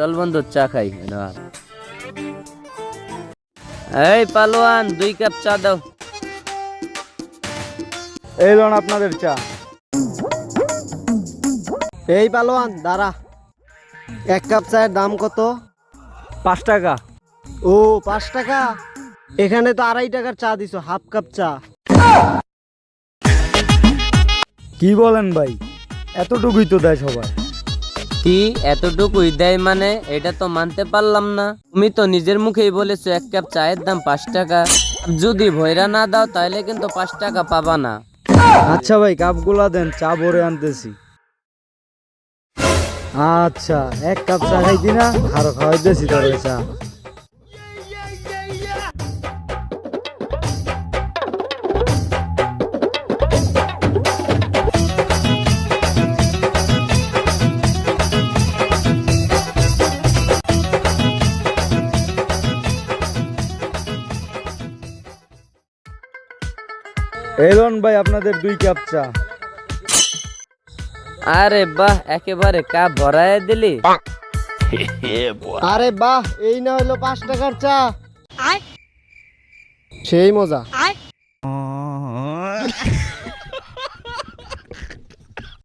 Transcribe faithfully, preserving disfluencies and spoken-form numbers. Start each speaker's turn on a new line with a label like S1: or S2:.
S1: চল বন্ধু চা খাই। এই পালোয়ান দুই কাপ চা দাও।
S2: এই লোন আপনাদের চা।
S3: এই পালোয়ান দাঁড়া, এক কাপ চায়ের দাম কত?
S2: পাঁচ টাকা।
S3: ও পাঁচ টাকা, এখানে তো আড়াই টাকার চা দিছো, হাফ কাপ চা।
S2: কি বলেন ভাই, এতটুকুই তো দেয় সবাই।
S1: কি এতটুকুই দেয় মানে? এটা তো মানতে পারলাম না। তুমি তো নিজের মুখেই বলেছো এক কাপ চায়ের দাম পাঁচ টাকা। যদি ভয়রা না দাও তাহলে কিন্তু পাঁচ টাকা পাবা না।
S2: আচ্ছা ভাই, কাপগুলা দেন, চা ভরে আনতেছি। আচ্ছা, এক কাপ চা খাইতি না, আরো খাওয়াইতেছি তোরে চা। এই লোন ভাই আপনাদের দুই কাপ চা।
S1: আরে বাহ, একেবারে কাপ ভরায় দিলি।
S3: আরে বাহ, এই না হলো পাঁচ টাকার চা, সেই মজা।